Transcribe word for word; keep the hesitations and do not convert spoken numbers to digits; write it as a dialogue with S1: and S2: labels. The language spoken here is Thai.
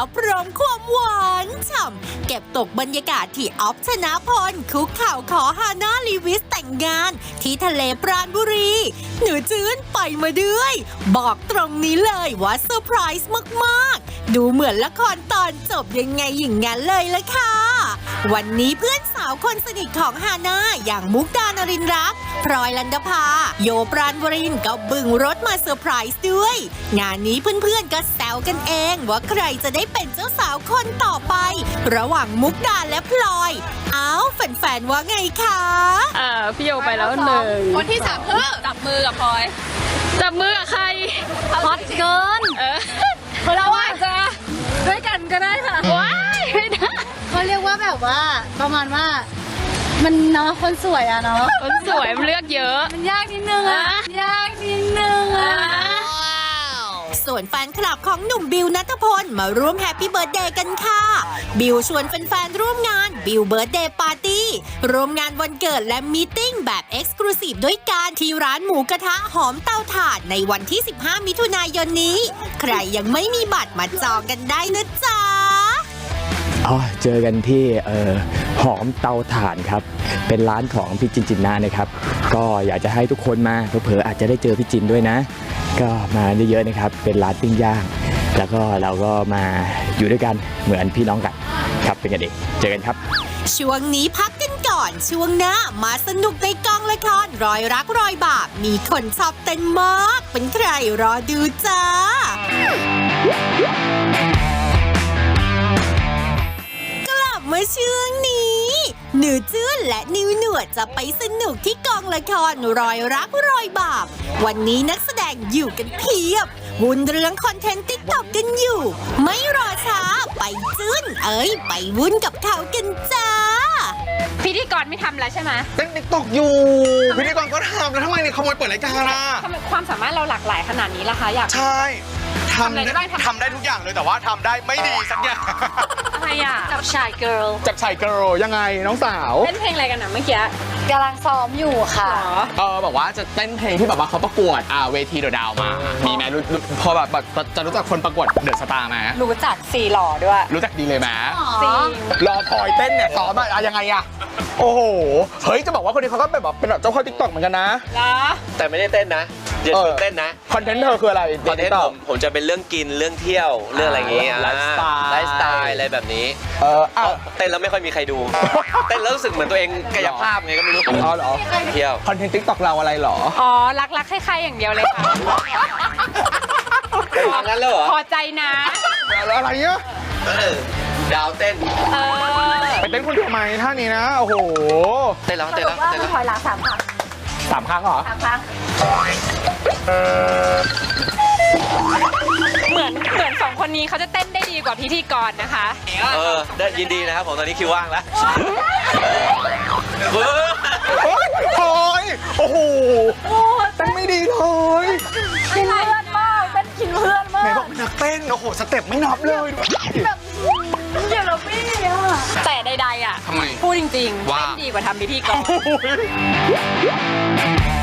S1: พร้อมความหวานฉ่ำเก็บตกบรรยากาศที่ออฟชนะพลคุกเข่าขอฮาน่าลีวิสแต่งงานที่ทะเลปราณบุรีหนูจื้นไปมาด้วยบอกตรงนี้เลยว่าเซอร์ไพรส์มากๆดูเหมือนละครตอนจบยังไงอย่างนั้นเลยละค่ะวันนี้เพื่อนสาวคนสนิทของฮาน่าอย่างมุกดานรินรักพลอยลันดภาโยปราณวรินทร์ก็บึงรถมาเซอร์ไพรส์ด้วยงานนี้เพื่อนๆก็แซวกันเองว่าใครจะได้เป็นเจ้าสาวคนต่อไประหว่างมุกดาและพลอยเอ้าแฟนๆว่าไงคะ
S2: อ่าพี่โยไปแล้วหนึ่ง
S3: คนที่สามคือจับมือกับพลอย
S2: จับมือกับใคร
S3: ฮอตเกินเออเราอาจจะด้วยกันก็ได้ค่ะ
S2: ว้ายไม่ได้
S3: เขาเรียกว่าแบบว่าประมาณว่ามันเนาะคนสวยอะเนาะ
S2: คนสวยมันเลือกเยอะ
S3: มันยากนิดนึงอะยากนิดนึงอะ
S1: ส่วนแฟนคลับของหนุ่มบิวณัฐพลมาร่วมแฮปปี้เบิร์ธเดย์กันค่ะบิวชวนแฟนๆร่วมงานบิวเบิร์ธเดย์ปาร์ตี้ร่วมงานวันเกิดและมีตติ้งแบบเอ็กซ์คลูซีฟด้วยกันที่ร้านหมูกระทะหอมเตาถ่านในวันที่สิบห้ามิถุนายนนี้ใครยังไม่มีบัตรมาจองกันได้นะจ๊ะ
S4: อ๋อเจอกันที่เอ่อหอมเตาถ่านครับเป็นร้านของพี่จินจินนานะครับก็อยากจะให้ทุกคนมาเผลอๆอาจจะได้เจอพี่จินด้วยนะก็มาเยอะๆนะครับเป็นร้านปิ้งย่างแล้วก็เราก็มาอยู่ด้วยกันเหมือนพี่น้องกันครับเป็นกันเองเจอกันครับ
S1: ช่วงนี้พักกันก่อนช่วงหน้ามาสนุกในกองละครรอยรักรอยบาปมีคนชอบเต้นมากเป็นใครรอดูจ้าเมื่อช่วงนี้หนูจื้นและนิวหนวดจะไปสนุกที่กองละครรอยรักรอยบาปวันนี้นักแสดงอยู่กันเพียบวุ่นเรื่องคอนเทนต์ติ๊กต็อกกันอยู่ไม่รอช้าไปจื้นเอ้ยไปวุ่นกับเขากันจ้า
S2: พิธีกรไม่ทำแล้วใช่ไหม
S5: เต้นติ๊กต็อกอยู่พิธีกรก็ทำแล้วทำไมเนี่ยขโมยเปิดรายการล่ะ
S2: ทำไมความสามารถเราหลากหลายขนาดนี้ล่ะคะอยาก
S5: ใช่ทำได้ทำได้ทุกอย่างเลยแต่ว่าทำได้ไม่ดีสักอย่าง
S2: อะไรอ่ะจับชายเกิร์ล
S5: จับชายเกิร์ลยังไงน้องสาว
S2: เต้นเพลงอะไรกันนะเมื่อกี้
S3: กำลังซ้อมอยู่ค่ะ
S5: เออแบบว่าจะเต้นเพลงที่แบบว่าเขาประกวดอ่าเวทีเดอะดาวมามีไหมรู้พอแบบจะรู้จักคนประกวดเดอะสตาร์ไหม
S2: รู้จักสี่หล่อด้วย
S5: รู้จักดีเลยไหม
S2: สี่
S5: รอพลอยเต้นเนี่ยซ้อมอะยังไงอะโอ้โหเฮ้ยจะบอกว่าคนนี้เขาก็เป็นแบบเป็นแบบเจ้าพ่อติ๊กต็อกเหมือนกันนะ
S6: แต่ไม่ได้เต้นนะเดี๋ยวเต้นนะ
S5: คอนเทนต์เธอคืออะไร
S6: คอนเทนต์ผมผมจะเป็นเรื่องกินเรื่องเที่ยวเรื่องอะไรอย่างงี้
S5: ไลฟ์สไตล์
S6: ไลฟ์สไตล์อะไรแบบนี้
S5: เออ
S6: เต้นแล้วไม่ค่อยมีใครดูเต้นแล้วรู้สึกเหมือนตัวเองกายภาพไงก็ไม่รู้
S5: อ๋อเหรอ
S6: เที่ยว
S5: คอนเทนต์ติ๊กต็อกเราอะไรหรอ
S2: อ๋อรักรักใครๆอย่างเดียวเลยค่ะ
S6: งั้นเลยเหรอ
S2: พอใจนะ
S5: อะไรเงี้ย
S6: ดาวเต้น
S5: ไปเต้นคนเดียวไหมท่านี้นะโอ้โห
S6: เต้นแล้วเต้นแล้วเต้นแล้ว
S3: ถอยหลังสามครั้ง
S5: สามครั้งเหรอ
S3: สามครั้ง
S2: เหมือนเหมือนสองคนนี้เขาจะเต้นได้ดีกว่าพิธีกรนะคะ
S6: เออได้ยินดีนะครับผมตอนนี้คิวว่างแล้ว
S5: โอ้ยโอ้โหเต้นไม่ดีเลย
S3: กินเพื่อนมากเต้นกินเพื่อนมาก
S5: ไหนบอกเป็นนักเต้นโอ้โหสเต็ปไม่นับเลย
S3: แบบเดี๋ยวเราไม่อะ
S2: แต่ใดๆอ่ะพูดจริงๆเต้นดีกว่าทำพิธีกร